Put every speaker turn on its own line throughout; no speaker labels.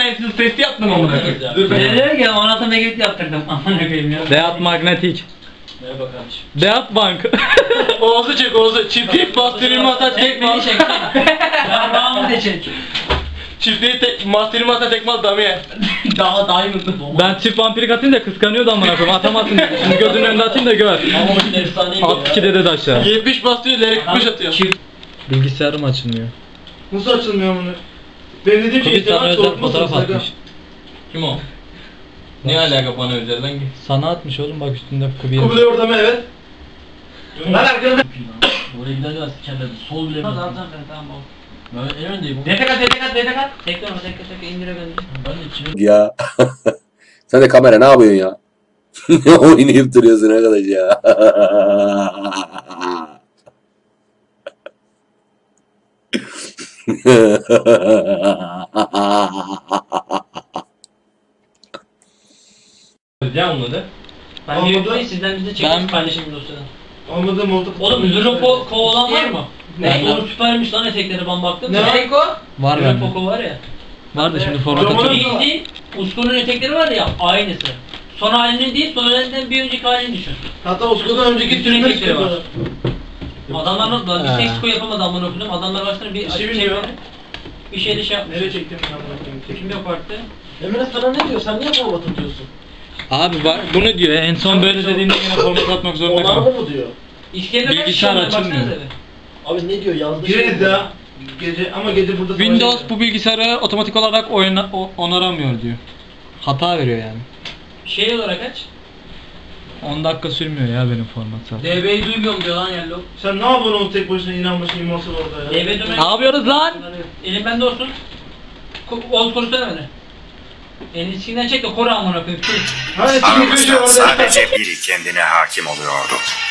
Einstein testi yaptım amına koyayım.
Dur ben diyor ki anlatım mektup yaptırdım amına koyayım ya.
Deat magnetik.
Merhaba kardeşim.
Deat bank.
Oğuz'u çek Oğuz'u. Çiftlik bastırma ata tekmal.
Beni çek. Ya bağımı da çek.
Çiftliği bastırma ata tekmal damiye.
Daha iyi mi?
Ben çift vampirik atayım da kıskanıyordu amına koyayım. Atamazsın dedi. Şimdi gözünün önünde atayım da gör.
Ama o şimdi efsaneydi
At 2 dede de aşağı.
70 bastırıyor, leri 45 atıyor.
Bilgisayarım açılmıyor.
Nasıl açılmıyor bunu? Benim dediğim şey işte ben soğutmasın sakın.
Kim o? Ne alaka bana özel lan?
Sana atmış oğlum bak üstünde kubiye.
Kubilay orada mı? Evet. Ben arkada.
Oraya giderken sikerler. Sol bile mi?
Tamam tamam.
Ben en öndeyim.
Destek at. Tekrar onu tekrar indire gönder.
Ben de içine...
Ya. Sen de kamera ne yapıyorsun ya? Ne oynayıp duruyorsun arkadaş ya?
Ne anladı?
Ben
Olmadı.
YouTube'dayım sizden bize çekmiş paylaşayım dosyadan.
Olmadı mı oldu?
Oğlum Zero Poco olan var mı?
Ne?
Oğlum süpermiş lan etekleri ben baktım.
Ne?
Poco?
Var
Zero
bende.
Poco var ya.
Var da şimdi format
Zaman-
atıyorum.
Bildiğin Usku'nun etekleri var ya aynısı. Son halinin değil, son halinden bir önceki halini düşün.
Hatta Oscar'dan önceki
Bütün
türler
etekleri var.
çıkıyorlar.
Adamlar nasıl bir
He.
seksiko yapamadı amına okudum. Adamlar başlarına bir
şey
şey
bilmiyor.
bir şeyle şey yapmış.
Nereye çektim ben bunu?
Kim yapardı?
Emre sana ne diyor? Sen niye format atıyorsun?
Abi var bunu diyor. En son böyle dediğinde yine format atmak zorunda
Onlar
kaldım.
mı diyor?
İşlerine kaç
Bilgisayar
kişi var,
açılmıyor.
baksanıza bir.
Abi ne diyor? Yazdı.
Gireriz ya. Gece ama gece burada
Windows bu bilgisayarı otomatik olarak onaramıyor diyor. Hata veriyor yani.
Şey olarak aç.
10 dakika sürmüyor ya benim format zaten.
DB'yi duymuyorum diyor lan Yellow.
Sen ne yapıyorsun oğlum tek başına inanmışsın immorsal orada ya?
DB dönen...
Ne yapıyoruz lan?
Elim bende olsun. Oğuz korusana beni. Elini içinden çek de koru amına koyayım.
Hani çıkıyor köşe
Aramızda
orada.
sadece biri kendine hakim oluyordu.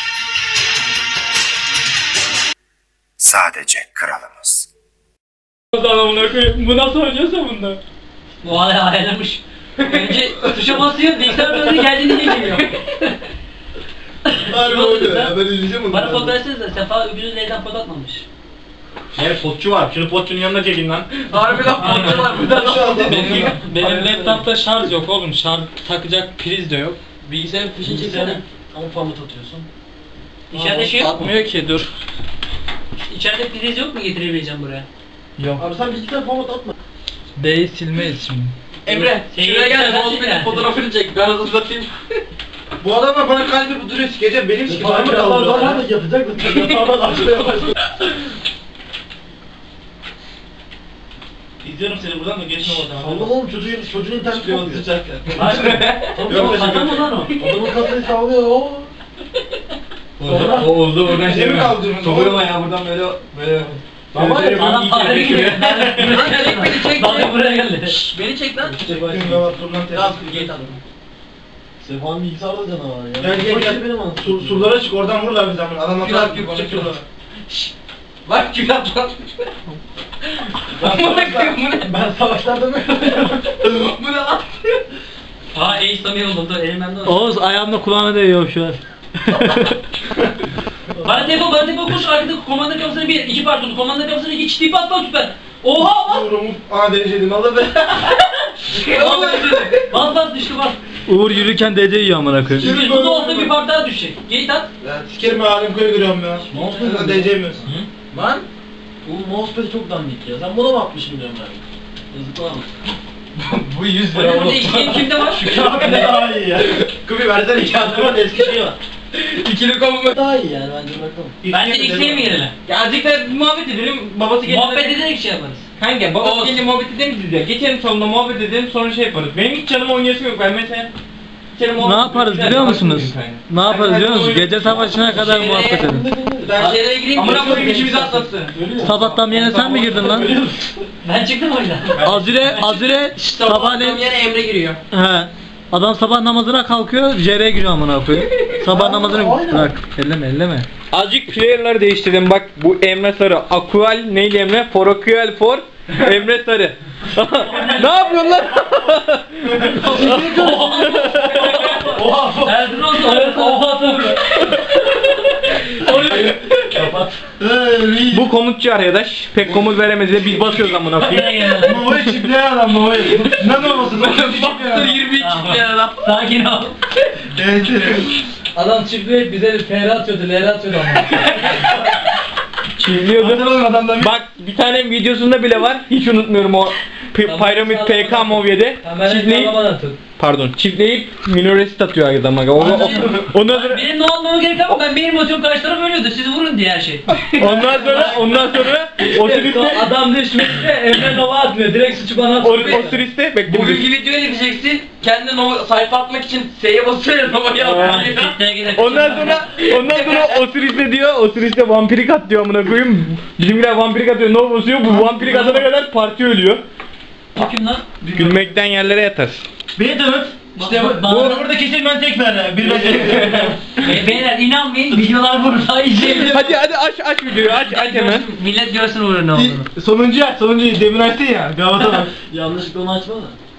Sadece kralımız.
Adamına koyayım. Bu nasıl oynuyorsa bunda?
Bu hala ayarlamış. Önce tuşa basıyor, bilgisayar dönüyor, geldiğinde geliyor.
Harbi oluyor ya ben izleyeceğim onu.
Bana kod versenize, Sefa öbürü L'den kod atmamış.
Evet potçu var. Şunu potçunun yanına çekin lan.
Harbi lan kod var burada.
Şu anda
Benim laptopta şarj yok oğlum. Şarj takacak priz de yok.
Bilgisayarın fişini çeksene. Ama format atıyorsun.
İçeride şey yok mu?
Atmıyor ki dur.
İçeride priz yok mu getirebileceğim buraya?
Yok.
Abi sen bilgisayar format atma.
D'yi silmeyiz şimdi.
Emre
Şey,
şuraya gel.
sen
Mousepad'in
sil
fotoğrafını çek. Ben hazırlatayım.
Bu adamlar bana kalbi duruyor sikeceğim benim sikeceğim.
Abi Allah yapacak mısın? Yatağından aşağıya başlıyor.
İzliyorum seni buradan da geçme oradan.
Allah'ım oğlum çocuğun interneti yok diyor.
Yok,
Adam mı lan o?
Adamın kasayı sallıyor o.
O oldu oradan
Ne mi kaldırıyorsun?
Sokuyorum ya buradan böyle.
Ama
Adam para gidiyor.
Beni çek.
Bana buraya geldi.
Beni çek lan.
Çektim ben turlan
Biraz
tepsi.
gate aldım. Sefa'nın bilgisayarda da canavar ya.
Gel
benim anasını.
Surlara çık oradan vururlar bizi ama adamlar
Gülah,
kadar
gülah,
çekiyorlar.
Bak günah lan. Ben savaşlarda mı? Bu ne lan?
Aa Ace Samir oldu. Dur elim bende olsun.
Oğuz ayağımla kulağına değiyor şu an.
Bana defol koş arkadaki komanda kapısını bir, iki pardon komanda kapısını iki çiftliği patlat süper. Oha bas!
Vurumu ana dereceydim Allah be.
Bas düştü bas.
Uğur yürürken DC yiyor amına koyayım.
Çünkü bu da olsa bir part daha düşecek. Gate at.
Ya sikerim ben halim köye giriyorum ya.
Mousepad
Değeceğimiz.
Lan. Bu mousepad çok dandik ya. Sen buna mı atmışım diyorum ben. Yazıklar olsun.
Bu 100
Hadi burada iki kimde var?
Kağıt ne daha iyi ya.
Kubi versene kağıdımın eski şeyi var.
İkili kombo.
Daha iyi yani bence bakalım.
Bence X'e mi girelim?
Ya azıcık da muhabbet edelim. Babası gelince...
Muhabbet ederek şey yaparız.
Kanka babası gelince muhabbet edelim biz ya. Geçelim salonda muhabbet edelim sonra şey yaparız. Benim hiç canım oynayasım yok. Ben mesela... Ne yaparız biliyor musunuz? Ne yaparız biliyor musunuz? Gece savaşına kadar muhabbet edelim.
Ben
Şeylere gireyim.
Amına koyayım içimizi atlattı. Sabahtan yine sen mi girdin lan?
Ben çıktım oyundan.
Azire sabahleyin...
yine Emre giriyor.
He. Adam sabah namazına kalkıyor, JR'ye giriyor amına koyayım. Sabah namazını bırak. Elleme. Azıcık player'ları değiştirdim. Bak bu Emre Sarı. Akual neyli Emre? Forokual for Emre Sarı. Ne yapıyorsun lan?
Erdoğan oha tabii.
kapat.
Bu komutçu arkadaş. Pek komut veremez de biz basıyoruz amına koyayım.
Mavayı çiftleyen adam Mavayı. Ne olmasın?
Baktır 22 adam. Sakin ol.
Evet.
Adam çiftliğe bize TR atıyordu, LR atıyordu ama.
Çiğliyordu.
Hatırlamıyorum adamdan.
Bak bir tane videosunda bile var. Hiç unutmuyorum o Pyramid PK Movie'de. Çiftleyi pardon çiftleyip minorist atıyor adama. Ondan sonra
Benim ne olmama gerek yok. Ben benim motivim karşı taraf ölüyordu. Siz vurun diye her şey.
ondan sonra o süriste
Adam düşmekte Emre Nova atmıyor. Direkt suçu bana atıyor.
o süriste bek
Bugünkü videoya gideceksin. Kendin o sayfa atmak için S'ye basıyor. Nova'yı atmıyor.
ondan sonra o süriste diyor. O süriste vampirik at diyor amına koyayım. Bizimkiler vampirik atıyor. Ne basıyor? Bu vampirik atana kadar parti ölüyor.
Kim lan?
Gülmekten yerlere yatar.
Beni tanıt. İşte bu burada kesin ben tek verdim. Bir ben tek.
Beyler inanmayın. Videolar burada izleyebilir.
Hadi aç videoyu aç hemen.
Millet görsün uğruna ne olduğunu.
Sonuncuyu demin açtın ya. Galata bak.
Yanlışlıkla onu açma da.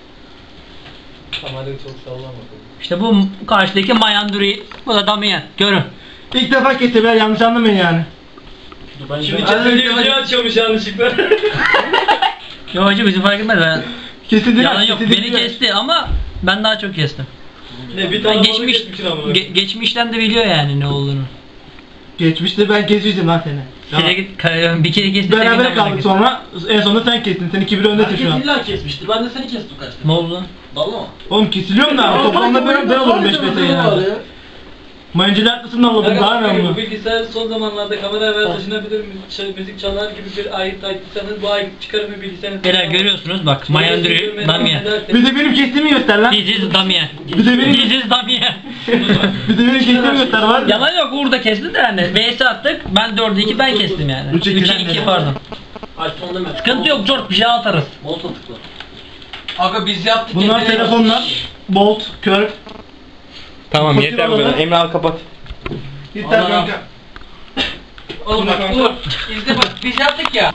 Kamerayı çok sallama.
İşte bu karşıdaki Mayanduri. Bu da Damian. Görün.
İlk defa keseber yanlış anlamayın yani.
Şimdi çatırıyı video açıyormuş yanlışlıkla.
Yo hacı bizi fark etmez ben.
Kesildi.
Yalan yok. Beni kesti ama ben daha çok kestim.
Ne bir
Ben
tane
geçmişten de biliyor yani ne olduğunu.
Geçmişte ben kesmiştim lan seni.
Bir kere kestim.
Beraber kaldık sonra en sonunda sen kestin. Sen 2-1 öndesin şu an.
illa kesmiştir. Ben de seni kestim kaçta.
Ne oldu lan?
Valla mı?
Oğlum kesiliyorum da toplamda ben olurum 5 metre yani. Mayıncılı haklısını alalım daha ne
Bu
bu?
bilgisayar son zamanlarda kamera ve taşınabilir müzik çalar gibi bir ayet açtıysanız bu ayet çıkarımı bilgisayarın...
Beyler görüyorsunuz bak Mayanduri Damian.
Bir de benim kestiğimi göster lan.
This is Damian.
Bir de benim,
This is Damian.
bir de benim kestiğimi göster var.
Yalan yok Uğur kesti de yani. VS attık. Ben 4'e 2 ben kestim yani.
3'e
3'e 2 pardon.
Ay son deme.
Sıkıntı yok George bir şey atarız.
Molta tıkla. Aga biz yaptık.
Bunlar
kendine-
telefonlar. Bolt, kör.
Tamam
Fakir
yeter bu
olalım.
kadar. Emre al kapat.
Yeter
Allah.
kanka.
Oğlum bak Uğur. İzle bak biz yaptık ya.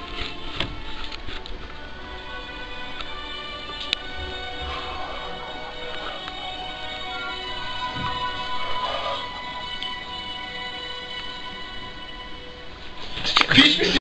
Pişmiş.